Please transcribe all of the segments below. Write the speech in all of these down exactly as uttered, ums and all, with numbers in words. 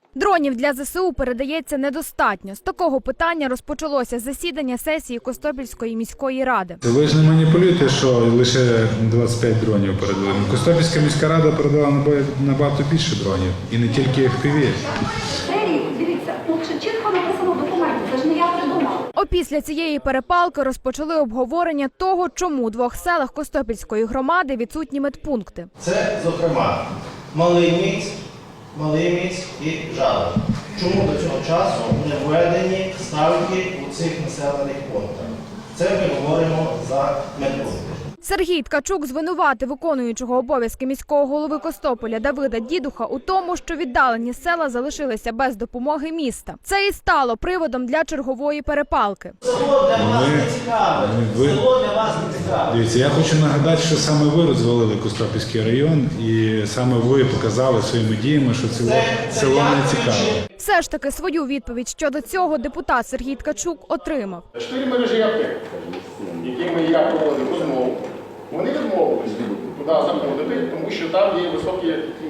Дронів для зе се у передається недостатньо. З такого питання розпочалося засідання сесії Костопільської міської ради. Ви ж не маніпулюєте, що лише двадцять п'ять дронів передали. Костопільська міська рада передала набагато більше дронів. І не тільки еф пі ві. Дивіться, тут чітко написано в документі, це ж не я придумала. Опісля цієї перепалки розпочали обговорення того, чому у двох селах Костопільської громади відсутні медпункти. Це, зокрема, Малий Міць, Малий Міць і Жалоб. Чому до цього часу не введені ставки у цих населених пунктах? Це ми говоримо за медпункти. Сергій Ткачук звинуватив виконуючого обов'язки міського голови Костополя Давида Дідуха у тому, що віддалені села залишилися без допомоги міста. Це і стало приводом для чергової перепалки. Село для вас не цікаве. Село для вас не цікаве. Дивіться, я хочу нагадати, що саме ви розвалили Костопільський район і саме ви показали своїми діями, що село, село не цікаве. Все ж таки свою відповідь щодо цього депутат Сергій Ткачук отримав. Чотири мережі аптек, якими я проводив розмову, вони відмовилися туди заходити, тому що там є високі,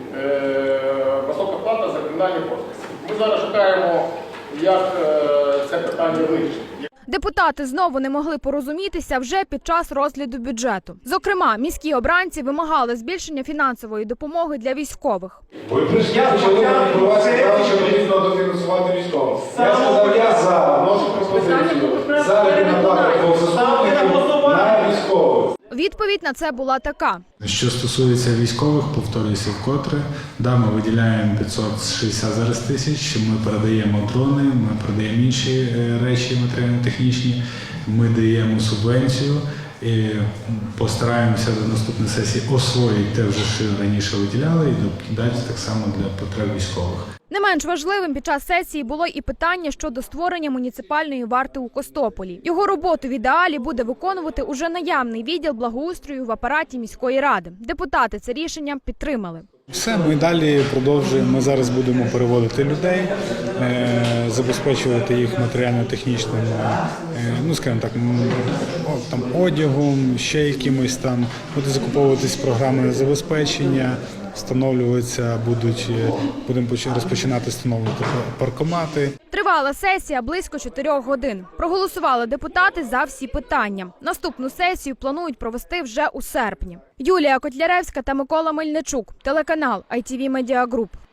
е, висока плата за кримінальні процеси. Ми зараз шукаємо, як е, це питання вирішити. Депутати знову не могли порозумітися вже під час розгляду бюджету. Зокрема, міські обранці вимагали збільшення фінансової допомоги для військових. Ви прийшли, почали маніпулювати, що потрібно дофінансувати військових. Я сказав, я за, вношу пропозицію. Заробітна плата двох заступників на військових. Відповідь на це була така. Що стосується військових, повторююся вкотре, да, ми виділяємо п'ятсот шістдесят зараз тисяч, ми передаємо дрони, ми передаємо інші речі матеріально-технічні, ми даємо субвенцію і постараємося до наступної сесії освоїти те, вже що раніше виділяли, і дати так само для потреб військових. Не менш важливим під час сесії було і питання щодо створення муніципальної варти у Костополі. Його роботу в ідеалі буде виконувати уже наявний відділ благоустрою в апараті міської ради. Депутати це рішення підтримали. Все, ми далі продовжуємо. Ми зараз будемо переводити людей, забезпечувати їх матеріально-технічним, ну скажімо так, там одягом, ще якимось там, буде закуповуватись програмне забезпечення. Встановлюватися будуть, будемо розпочинати встановлювати паркомати. Тривала сесія близько чотирьох годин. Проголосували депутати за всі питання. Наступну сесію планують провести вже у серпні. Юлія Котляревська та Микола Мельничук. Телеканал ай ті ві Медіа Груп.